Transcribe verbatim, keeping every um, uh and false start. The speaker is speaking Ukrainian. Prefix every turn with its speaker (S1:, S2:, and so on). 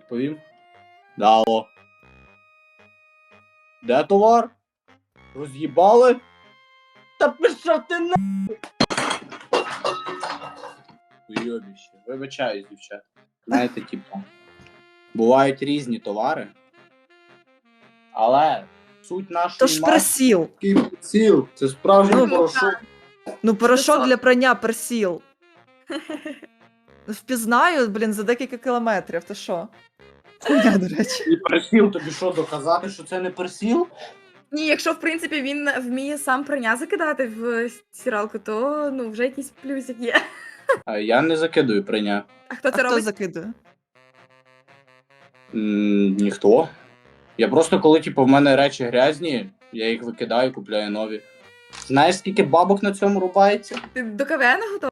S1: відповім. Да, алло. Де товар? Роз'їбали? Та пішов ти на... Уйобіще. Вибачаюсь, дівчата. Знаєте, типу, бувають різні товари, але суть нашої
S2: То ж
S1: марки
S2: персіл.
S1: такий приціл. Це справжній
S2: Ну,
S1: порошок.
S2: Ну, порошок
S3: Висок.
S2: для прання персіл. Впізнаю, блін, за декілька кілометрів. Ти що? Хуйня, до речі.
S1: І персіл тобі що, доказати, що це не персіл?
S3: Ні, якщо в принципі він вміє сам прання закидати в стиралку, то ну вже якийсь плюсик є.
S1: А я не закидую прийня.
S3: А хто
S2: А
S3: це
S2: хто
S3: робить?
S2: закидує?
S1: М, ніхто. Я просто, коли типу, в мене речі грязні, я їх викидаю, купляю нові. Знаєш, скільки бабок на цьому рубається?
S3: Ти до КВН готовий?